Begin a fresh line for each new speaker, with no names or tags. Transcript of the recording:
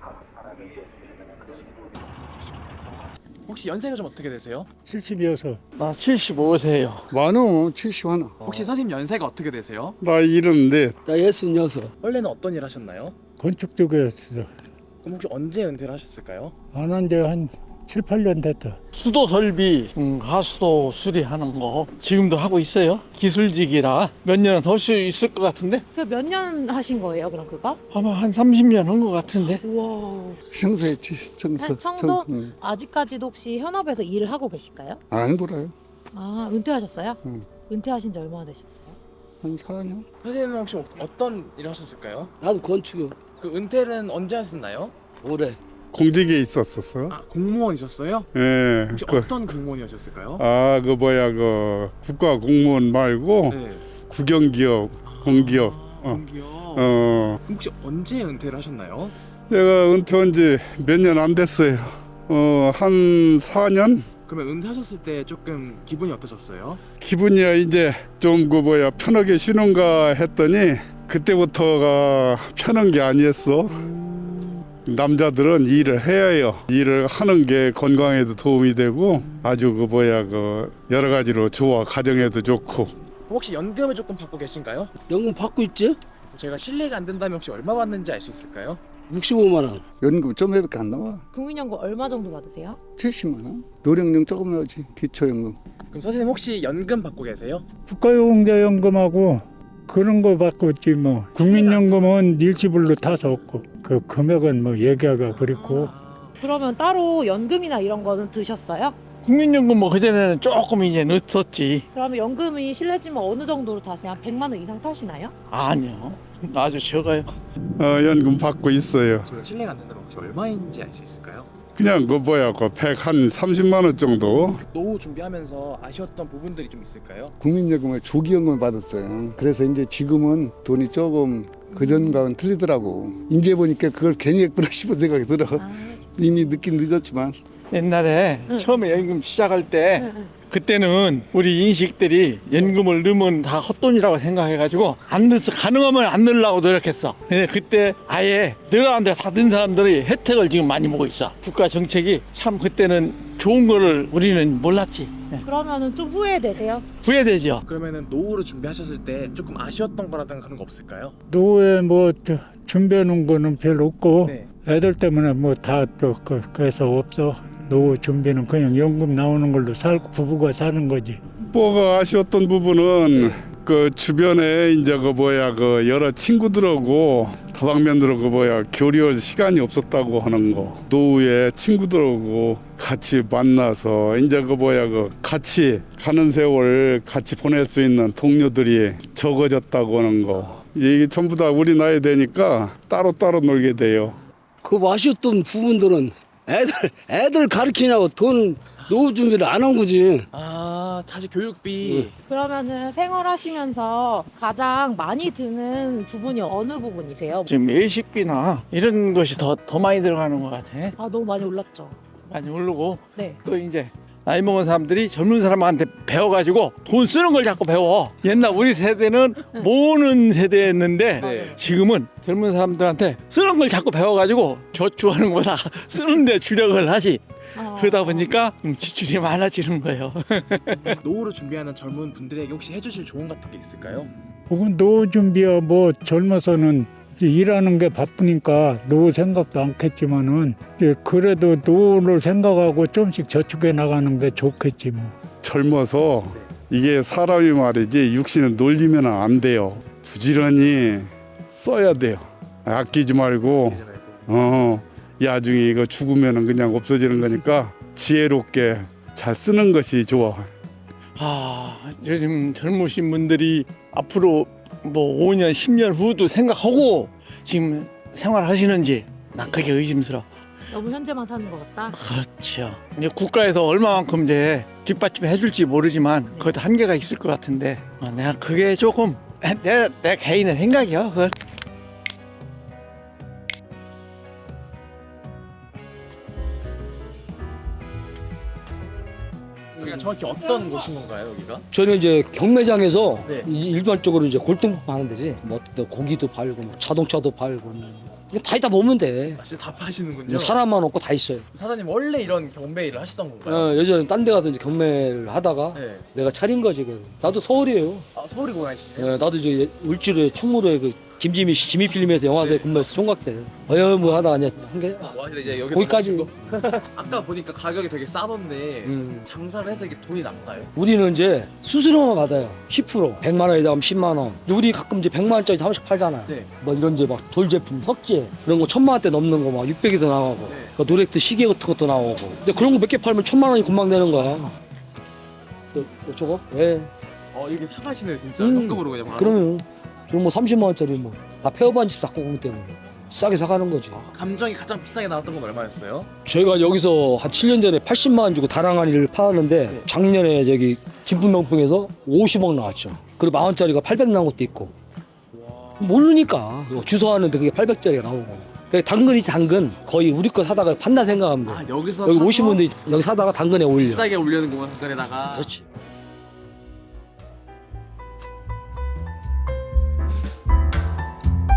혹시 연세가 좀 어떻게 되세요?
70이어서
나 75세예요.
많어 70
혹시 선생님 연세가 어떻게 되세요?
나 이런데
나 66.
원래는 어떤 일 하셨나요?
건축 쪽이었어.
그럼 혹시 언제 은퇴를 하셨을까요?
안 한 지 한 7, 8년 됐다.
수도 설비, 하수도 수리하는 거 지금도 하고 있어요. 기술직이라 몇 년은 더 할 수 있을 것 같은데
몇 년 하신 거예요, 그럼 그거?
아마 한 30년 한 것 같은데.
우와.
청소했지 청소.
청소?
응.
아직까지도 혹시 현업에서 일을 하고 계실까요?
안 돌아요.
아, 은퇴하셨어요?
응.
은퇴하신 지 얼마나 되셨어요?
한 4년?
선생님은 혹시 어떤 일 하셨을까요?
나도 건축이요.
그 은퇴는 언제 하셨나요?
올해.
공직에 있었었어.
아, 공무원이셨어요?
예.
혹시
그,
어떤 공무원이셨을까요?
그 뭐야 그 국가 공무원 말고
네.
국영기업, 공기업.
공기업.
그럼
혹시 언제 은퇴를 하셨나요?
제가 은퇴한 지 몇 년 안 됐어요. 한 4년?
그러면 은퇴하셨을 때 조금 기분이 어떠셨어요?
기분이야 이제 좀 그 뭐야 편하게 쉬는가 했더니 그때부터가 편한 게 아니었어. 남자들은 일을 해야 해요. 일을 하는 게 건강에도 도움이 되고 아주 그 뭐야 그 여러 가지로 좋아. 가정에도 좋고.
혹시 연금을 조금 받고 계신가요?
연금 받고 있지?
제가 실례가 안 된다면 혹시 얼마 받는지 알 수 있을까요?
65만 원.
연금 좀 몇밖에 안 나와.
국민연금 얼마 정도 받으세요?
70만 원. 노령용 조금 나오지. 기초연금.
그럼 선생님 혹시 연금 받고 계세요?
국가용자연금하고 그런 거 받고 있지 뭐. 국민연금은 일시불로 타서 없고 그 금액은 뭐 얘기하기가 그렇고.
그러면 따로 연금이나 이런 거는 드셨어요?
국민연금 뭐 그전에는 조금 이제 늦었지.
그러면 연금이 실례지만 어느 정도로 타세요? 한 100만 원 이상 타시나요?
아니요. 아주 적어요.
연금 받고 있어요.
제가 실례가 안 된다면 혹시 얼마인지 알 수 있을까요?
그냥 그 뭐야 그 130만 원 정도.
노후 준비하면서 아쉬웠던 부분들이 좀 있을까요?
국민연금을 조기연금을 받았어요. 그래서 이제 지금은 돈이 조금 그전과는 틀리더라고. 이제 보니까 그걸 괜히 했구나 싶은 생각이 들어. 이미 늦긴 늦었지만.
옛날에 처음에 연금 시작할 때 그때는 우리 인식들이 연금을 넣으면 다 헛돈이라고 생각해가지고 안 넣어서 가능하면 안 넣으려고 노력했어. 근데 그때 아예 들어가는데 다 넣은 사람들이 혜택을 지금 많이 보고 있어. 국가 정책이 참 그때는 좋은 거를 우리는 몰랐지.
그러면은 좀 후회되세요?
후회되죠.
그러면은 노후를 준비하셨을 때 조금 아쉬웠던 거라든가 그런 거 없을까요?
노후에 뭐 준비해 놓은 거는 별로 없고
네.
애들 때문에 뭐 다 또 그래서 없어. 노후 준비는 그냥 연금 나오는 걸로 살고 부부가 사는 거지.
뭐가 아쉬웠던 부분은 그 주변에 이제 그 뭐야 그 여러 친구들하고 다방면으로 그 뭐야 교류할 시간이 없었다고 하는 거. 노후에 친구들하고 같이 만나서 이제 그 뭐야 그 같이 가는 세월 같이 보낼 수 있는 동료들이 적어졌다고 하는 거. 이게 전부 다 우리 나이 되니까 따로따로 놀게 돼요.
그 아쉬웠던 부분들은 애들 가르치냐고 돈 노후 준비를 안 한 거지.
아, 다시 교육비.
그러면은 생활하시면서 가장 많이 드는 부분이 어느 부분이세요?
지금 일식비나 이런 것이 더 많이 들어가는 것 같아.
아, 너무 많이 올랐죠.
많이 오르고
네.
또 이제 나이 먹은 사람들이 젊은 사람한테 배워가지고 돈 쓰는 걸 자꾸 배워. 옛날 우리 세대는 모으는 세대였는데
네.
지금은 젊은 사람들한테 쓰는 걸 자꾸 배워가지고 저축하는 거다 쓰는데 주력을 하지. 그러다 보니까 지출이 많아지는 거예요.
노후를 준비하는 젊은 분들에게 혹시 해주실 조언 같은 게 있을까요?
혹은 노후 준비야 뭐 젊어서는 이제 일하는 게 바쁘니까 노후 생각도 않겠지만은 이제 그래도 노후를 생각하고 좀씩 저축해 나가는 게 좋겠지 뭐.
젊어서 이게 사람이 말이지 육신을 놀리면 안 돼요. 부지런히 써야 돼요. 아끼지 말고 나중에 이거 죽으면 그냥 없어지는 거니까 지혜롭게 잘 쓰는 것이 좋아.
요즘 젊으신 분들이 앞으로 뭐 5년 10년 후도 생각하고 지금 생활하시는지 난 그게 의심스러워.
너무 현재만 사는 것 같다.
그렇죠. 이제 국가에서 얼마만큼 이제 뒷받침 해줄지 모르지만 그것도 한계가 있을 것 같은데 내가 그게 조금 내 개인의 생각이야. 그건.
여기가 정확히 어떤 곳인 건가요, 여기가?
저는 이제 경매장에서
네.
일반적으로 이제 골동품 하는 데지. 뭐 고기도 팔고 뭐 자동차도 팔고 그냥 다 있다 보면 돼.
아, 진짜 다 파시는군요.
뭐 사람만 없고 다 있어요.
사장님 원래 이런 경매 일을 하시던 건가요?
예전에 딴 데 가든지 경매를 하다가
네.
내가 차린 거지. 그냥. 나도 서울이에요.
아, 서울이 고향이시죠?
나도 이제 울주에 충무로에 그 김지미 씨 지미 필름에서 영화사에 근무해서 총각 때. 뭐 하다가 그냥 한 게.
와, 근데 이제 여기
거기까지.
아까 보니까 가격이 되게 싸던데 장사를 해서 이게 돈이 남나요?
우리는 이제 수수료만 받아요. 10%. 100만 원에다 하면 10만 원. 근데 우리 가끔 이제 100만 원짜리 사무실 팔잖아요.
네.
뭐 이런 이제 막 돌제품, 석재 이런 거 1000만 원대 넘는 거 막 600이도 나가고.
네.
그 노렉트 시계 같은 것도 나오고. 근데 그런 거 몇 개 팔면 1000만 원이 금방 되는 거야. 저거? 예.
이게 사가시네요 진짜.
음.
현금으로 그냥 바로.
그러면 저뭐 30만 원짜리 뭐 다 폐업한 집 샀고 그러기 때문에 싸게 사가는 거지.
감정이 가장 비싸게 나왔던 건 얼마였어요?
저희가 여기서 한 7년 전에 80만 원 주고 다랑아리를 팔았는데 작년에 저기 진품명품에서 50억 나왔죠. 그리고 10,000원짜리가 800 나온 것도 있고. 모르니까 주소하는데 그게 800짜리가 나오고. 당근이지 당근. 거의 우리 거 사다가 판다 생각하면 돼.
아, 여기서
여기
사서
오신 분들이 여기 사다가 당근에 올려.
비싸게 올리는 거만 중간에다가.
그렇지.